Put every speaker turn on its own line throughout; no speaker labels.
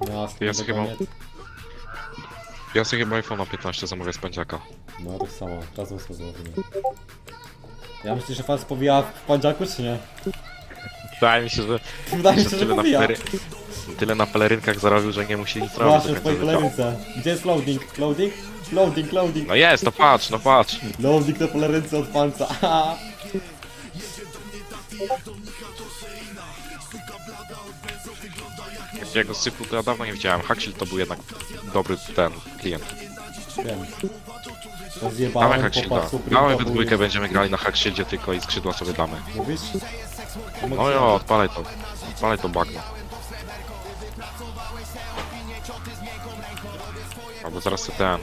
Jasne,
Ja sobie chyba-
koniec.
Ja sobie chyba iPhone'a 15 zamówię z pędziaka.
No tak samo, razem sobie zrobimy. Ja myślę, że fan powija w pandziaku, czy nie?
Wydaje mi się, że
Wydaje mi się, że
tyle na,
powija.
tyle na pelerynkach zarobił, że nie musi nic robić.
Właśnie,
do
w twojej
końca życia.
pelerynce. Gdzie jest loading? Loading? Loading, loading.
No jest, no patrz, no patrz.
Loading na pelerynce od panca. Aha.
Jego sypu to ja dawno nie widziałem. Hackshield to był jednak dobry ten klient.
Wiem. To
Dawaj
zjebałem
Hackshielda.
po pasu
Dawaj we dwójkę będziemy grali na Hackshieldzie tylko i skrzydła sobie damy.
Mówisz?
No jo, odpalaj to. Odpalaj to bagno. Albo zaraz sobie ten...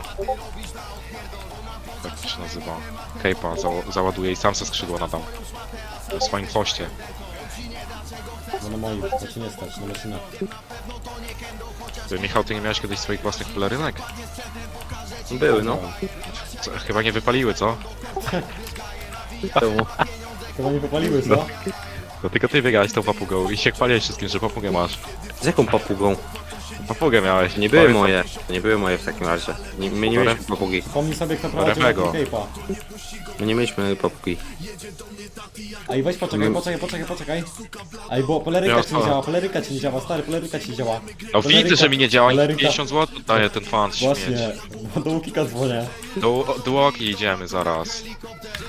Jak to się nazywa? Cape'a załaduję i sam se skrzydło nadam. W swoim poście.
No na moim, to ci nie stać, na maszynach.
Ty, Michał, ty nie miałeś kiedyś swoich własnych pelerynek?
Były, no.
Co, chyba nie wypaliły, co?
Czemu?
Chyba nie popaliły, co?
To tylko ty biegałeś tą papugą i się chwaliłeś wszystkim, że papugę masz.
Z jaką papugą?
Papugę miałeś.
Nie były
Pamiętam.
moje. To nie były moje w takim razie. Nie, my nie mieliśmy papugi.
Pomnij sobie, kto prowadził
Rewego.
Cape'a.
My nie mieliśmy papugi.
Ej, weź poczekaj. Ej, bo poleryka ci nie działa, stary, poleryka ci nie działa.
No widzę, że mi nie działa i
poleryka-
50 zł daje ten fan śmieć.
Właśnie, bo do Łukika dzwonię.
Do Łoki idziemy zaraz.